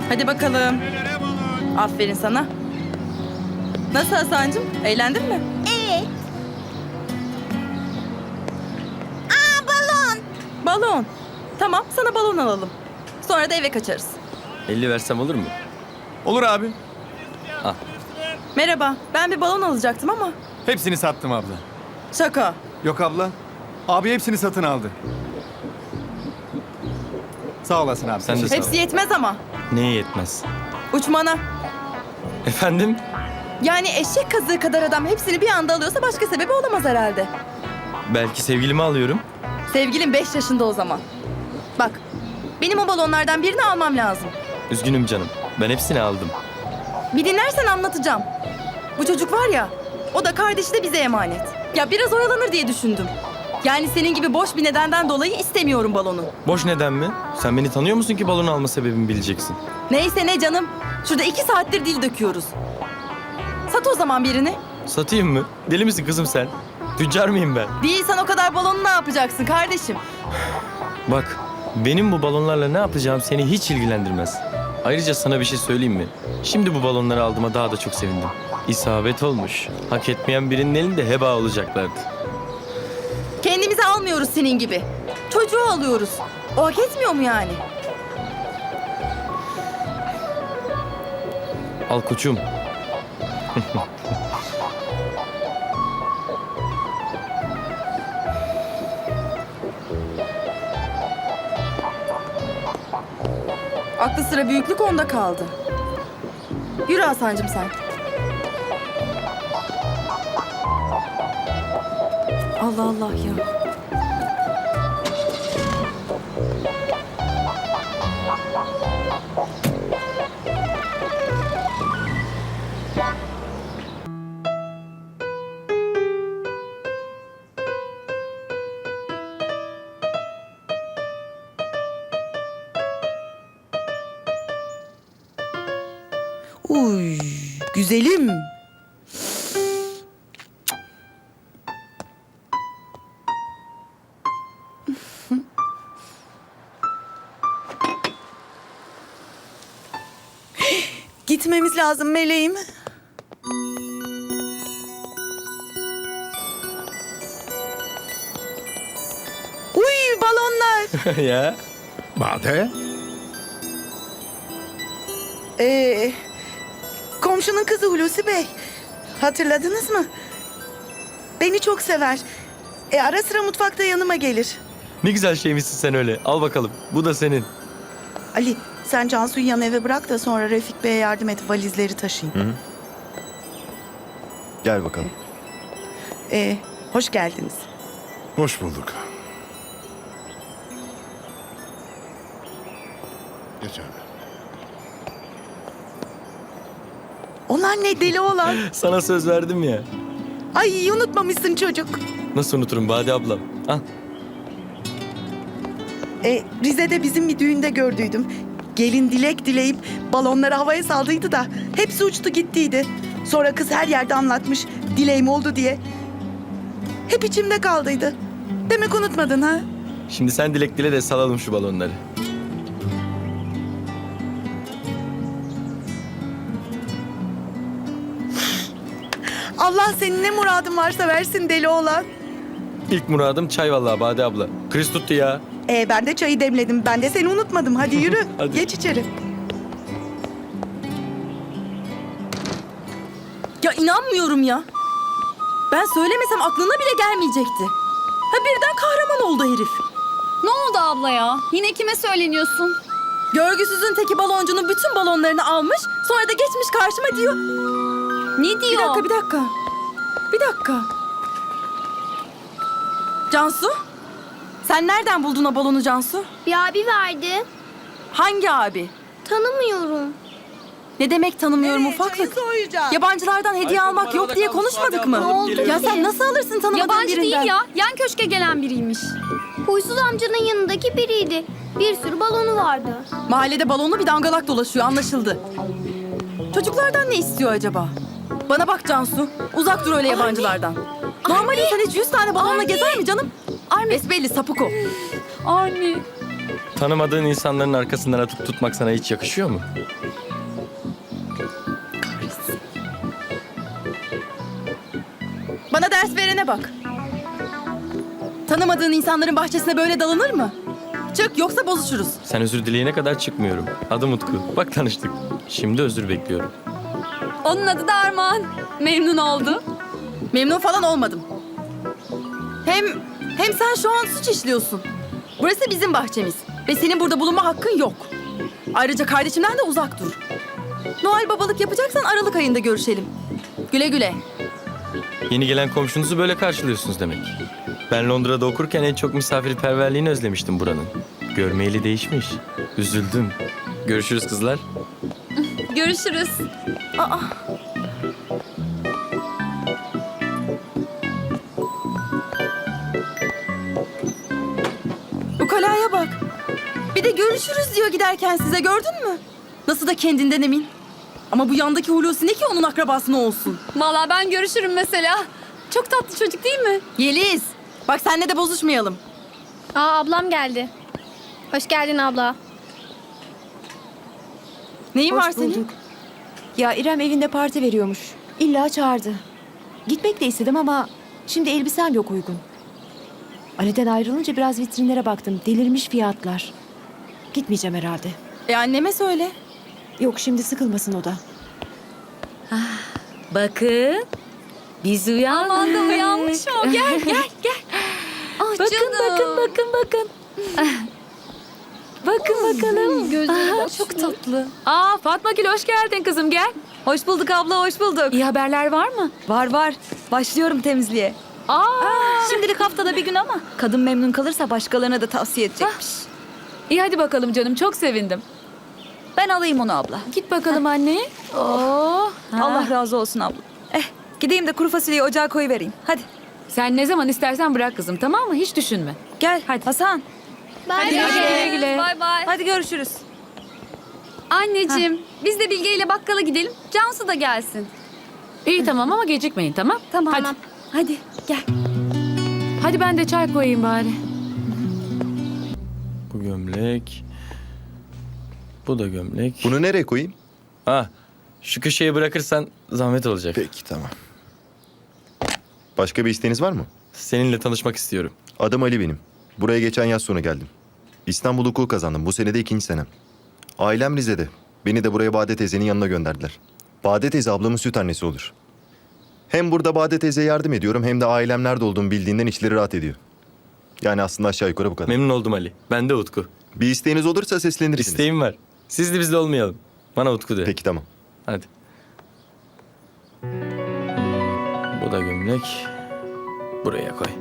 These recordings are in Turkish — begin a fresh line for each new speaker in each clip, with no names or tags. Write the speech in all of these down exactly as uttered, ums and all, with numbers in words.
Hadi bakalım. Aferin sana. Nasıl Hasan'cığım? Eğlendin mi?
Evet. Aa, balon.
Balon. Tamam, sana balon alalım. Sonra da eve kaçarız.
elli versem olur mu?
Olur abi.
Merhaba, ben bir balon alacaktım ama.
Hepsini sattım abla.
Şaka.
Yok abla. Abi hepsini satın aldı. Sağ olasın abi.
Sen de sağ ol.
Hepsi yetmez ama.
Neye yetmez?
Uçmana.
Efendim?
Yani eşek kazığı kadar adam hepsini bir anda alıyorsa başka sebebi olamaz herhalde.
Belki sevgilimi alıyorum.
Sevgilim beş yaşında o zaman. Bak, benim o balonlardan birini almam lazım.
Üzgünüm canım. Ben hepsini aldım.
Bir dinlersen anlatacağım. Bu çocuk var ya, o da kardeşi de bize emanet. Ya biraz oyalanır diye düşündüm. Yani senin gibi boş bir nedenden dolayı istemiyorum balonu.
Boş neden mi? Sen beni tanıyor musun ki balon alma sebebimi bileceksin?
Neyse ne canım. Şurada iki saattir dil döküyoruz. Sat o zaman birini.
Satayım mı? Deli misin kızım sen? Tüccar mıyım ben?
Değilsen o kadar balonu ne yapacaksın kardeşim?
Bak, benim bu balonlarla ne yapacağım seni hiç ilgilendirmez. Ayrıca sana bir şey söyleyeyim mi? Şimdi bu balonları aldığıma daha da çok sevindim. İsabet olmuş. Hak etmeyen birinin elinde heba olacaklardı.
Kendimizi almıyoruz senin gibi. Çocuğu alıyoruz. O hak etmiyor mu yani?
Al koçum.
Aklı sıra büyüklük onda kaldı. Yürü Hasan'cığım sen. Allah Allah ya.
Uy, güzelim. Gitmemiz lazım meleğim. Uy, balonlar.
Ya.
Bade?
Ee, komşunun kızı Hulusi Bey. Hatırladınız mı? Beni çok sever. E, ara sıra mutfakta yanıma gelir.
Ne güzel şeymişsin sen öyle. Al bakalım. Bu da senin.
Ali, sen Cansu'yu yan eve bırak da sonra Refik Bey'e yardım et, valizleri taşıyayım.
Gel bakalım.
Ee, hoş geldiniz.
Hoş bulduk. Geç abi.
Onlar ne deli olan?
Sana söz verdim ya.
Ay, unutmamışsın çocuk.
Nasıl unuturum Bade ablam? Al.
E, Rize'de bizim bir düğünde gördüydüm. Gelin dilek dileyip balonları havaya saldıydı da hepsi uçtu gittiydi. Sonra kız her yerde anlatmış dileğim oldu diye. Hep içimde kaldıydı. Demek unutmadın ha?
Şimdi sen dilek dile de salalım şu balonları.
Allah senin ne muradın varsa versin deli oğlan.
İlk muradım çay vallahi Bade abla. Kriz tuttu ya.
E, ben de çayı demledim. Ben de seni unutmadım. Hadi yürü.
Hadi.
Geç içeri.
Ya inanmıyorum ya. Ben söylemesem aklına bile gelmeyecekti. Ha birden kahraman oldu herif.
Ne oldu abla ya? Yine kime söyleniyorsun?
Görgüsüzün teki baloncunun bütün balonlarını almış, sonra da geçmiş karşıma diyor.
Ne
Bir
diyor?
dakika, bir dakika. Bir dakika. Cansu, sen nereden buldun o balonu Cansu?
Bir abi verdi.
Hangi abi?
Tanımıyorum.
Ne demek tanımıyorum
Ee,
ufaklık?
çayı soğuyacak.
Yabancılardan hediye
Ay,
almak
arada
yok diye
kalmış,
konuşmadık
madem
mı?
alıp geliyorum.
Ya sen nasıl alırsın tanımadığın
Yabancı
birinden?
değil ya. Yan köşke gelen biriymiş.
Huysuz amcanın yanındaki biriydi. Bir sürü balonu vardı.
Mahallede balonlu bir dangalak dolaşıyor, anlaşıldı. Çocuklardan ne istiyor acaba? Bana bak Cansu, uzak dur öyle yabancılardan. Normal insan hiç yüz tane balonla
Anne.
gezer mi canım?
Anne.
Besbelli sapık o.
Anne.
Tanımadığın insanların arkasından atıp tutmak sana hiç yakışıyor mu?
Bana ders verene bak. Tanımadığın insanların bahçesine böyle dalınır mı? Çık yoksa bozuşuruz.
Sen özür dileyene kadar çıkmıyorum. Adım Utku. Bak tanıştık. Şimdi özür bekliyorum.
Onun adı da Armağan. Memnun oldu.
Memnun falan olmadım. Hem hem sen şu an suç işliyorsun. Burası bizim bahçemiz ve senin burada bulunma hakkın yok. Ayrıca kardeşimden de uzak dur. Noel babalık yapacaksan Aralık ayında görüşelim. Güle güle.
Yeni gelen komşunuzu böyle karşılıyorsunuz demek. Ben Londra'da okurken en çok misafirperverliğini özlemiştim buranın. Görmeyeli değişmiş. Üzüldüm. Görüşürüz kızlar.
Görüşürüz.
Aa. Ukalaya bak. Bir de görüşürüz diyor giderken size, gördün mü? Nasıl da kendinden emin. Ama bu yandaki Hulusi ne ki onun akrabası ne olsun?
Vallahi ben görüşürüm mesela. Çok tatlı çocuk değil mi?
Yeliz, bak senle de bozuşmayalım.
Aa ablam geldi. Hoş geldin abla.
Neyin var
Hoş
senin?
bulduk. Ya İrem evinde parti veriyormuş. İlla çağırdı. Gitmek de istedim ama şimdi elbisem yok uygun. Ali'den ayrılınca biraz vitrinlere baktım. Delirmiş fiyatlar. Gitmeyeceğim herhalde.
E anneme söyle.
Yok şimdi sıkılmasın o da.
Bakın. Biz uyandık.
Aman da uyanmış o. Gel gel gel. Ah
Bakın
canım.
bakın bakın bakın. Bakın bakalım.
Gözleri bak, çok tatlı.
Aa Fatma Gül hoş geldin kızım gel.
Hoş bulduk abla hoş bulduk.
İyi haberler var mı?
Var var. Başlıyorum temizliğe.
Aa.
Şimdilik haftada bir gün ama kadın memnun kalırsa başkalarına da tavsiye edecekmiş.
İyi hadi bakalım canım çok sevindim.
Ben alayım onu abla.
Git bakalım anne. Oo.
Allah razı olsun abla. Eh gideyim de kuru fasulyeyi ocağa koyuvereyim. Hadi.
Sen ne zaman istersen bırak kızım tamam mı? Hiç düşünme.
Gel hadi. Hasan.
Bye
Güle
bye.
güle.
Bay bay.
Hadi görüşürüz.
Anneciğim biz de Bilge ile bakkala gidelim. Cansu da gelsin.
İyi tamam ama gecikmeyin tamam?
Tamam.
Hadi.
Hadi gel.
Hadi ben de çay koyayım bari.
Bu gömlek. Bu da gömlek.
Bunu nereye koyayım?
Ha, şu köşeye bırakırsan zahmet olacak.
Peki tamam. Başka bir isteğiniz var mı?
Seninle tanışmak istiyorum.
Adım Ali benim. Buraya geçen yaz sonu geldim. İstanbul hukuku kazandım. Bu sene de ikinci senem. Ailem Rize'de. Beni de buraya Bade teyzenin yanına gönderdiler. Bade teyze ablamın süt annesi olur. Hem burada Bade teyzeye yardım ediyorum hem de ailem nerede olduğumu bildiğinden içleri rahat ediyor. Yani aslında aşağı yukarı bu kadar.
Memnun oldum Ali. Ben de Utku.
Bir isteğiniz olursa seslenirsiniz.
İsteğim var. Siz de bizle olmayalım. Bana Utku de.
Peki tamam.
Hadi. Hmm, bu da gömlek. Buraya koy.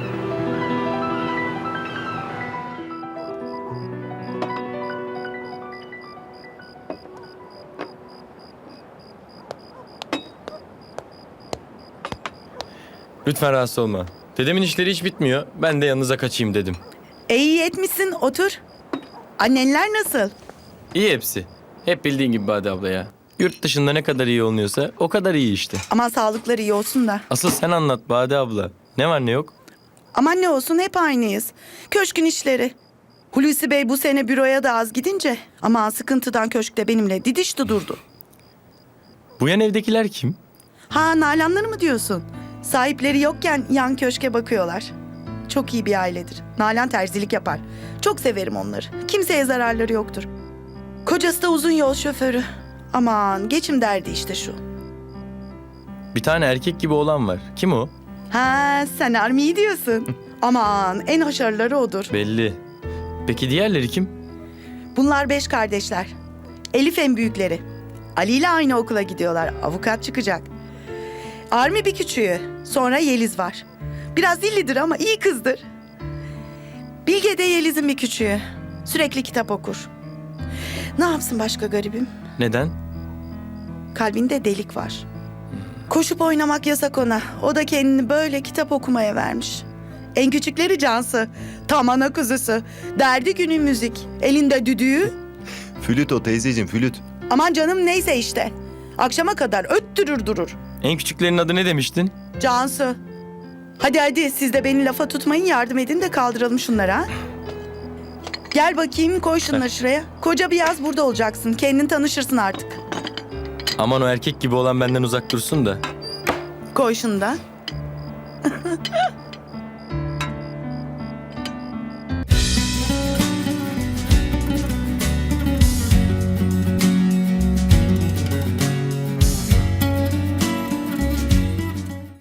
Lütfen rahatsız olma. Dedemin işleri hiç bitmiyor. Ben de yanınıza kaçayım dedim.
E iyi etmişsin, otur. Annenler nasıl?
İyi hepsi. Hep bildiğin gibi Bade abla ya. Yurt dışında ne kadar iyi oluyorsa o kadar iyi işte.
Aman sağlıkları iyi olsun da.
Asıl sen anlat Bade abla. Ne var ne yok?
Aman ne olsun hep aynıyız. Köşkün işleri. Hulusi Bey bu sene büroya da az gidince aman sıkıntıdan köşkte benimle didişti durdu.
Bu yan evdekiler kim?
Ha Nalanları mı diyorsun? Sahipleri yokken yan köşke bakıyorlar. Çok iyi bir ailedir. Nalan terzilik yapar. Çok severim onları. Kimseye zararları yoktur. Kocası da uzun yol şoförü. Aman geçim derdi işte şu.
Bir tane erkek gibi olan var. Kim o?
Ha sen Armi'yi diyorsun. Aman en haşarları odur.
Belli. Peki diğerleri kim?
Bunlar beş kardeşler. Elif en büyükleri. Ali ile aynı okula gidiyorlar. Avukat çıkacak. Armi bir küçüğü. Sonra Yeliz var. Biraz dillidir ama iyi kızdır. Bilge de Yeliz'in bir küçüğü. Sürekli kitap okur. Ne yapsın başka garibim?
Neden?
Kalbinde delik var. Koşup oynamak yasak ona. O da kendini böyle kitap okumaya vermiş. En küçükleri Cansu. Tam ana kuzusu. Derdi günü müzik. Elinde düdüğü.
Flüt o teyzeciğim flüt.
Aman canım neyse işte. Akşama kadar öttürür durur.
En küçüklerin adı ne demiştin?
Cansu. Hadi hadi siz de beni lafa tutmayın, yardım edin de kaldıralım şunları ha. Gel bakayım koy şunları şuraya. Koca bir yaz burada olacaksın. Kendin tanışırsın artık.
Aman o erkek gibi olan benden uzak dursun da.
Koy şunu da.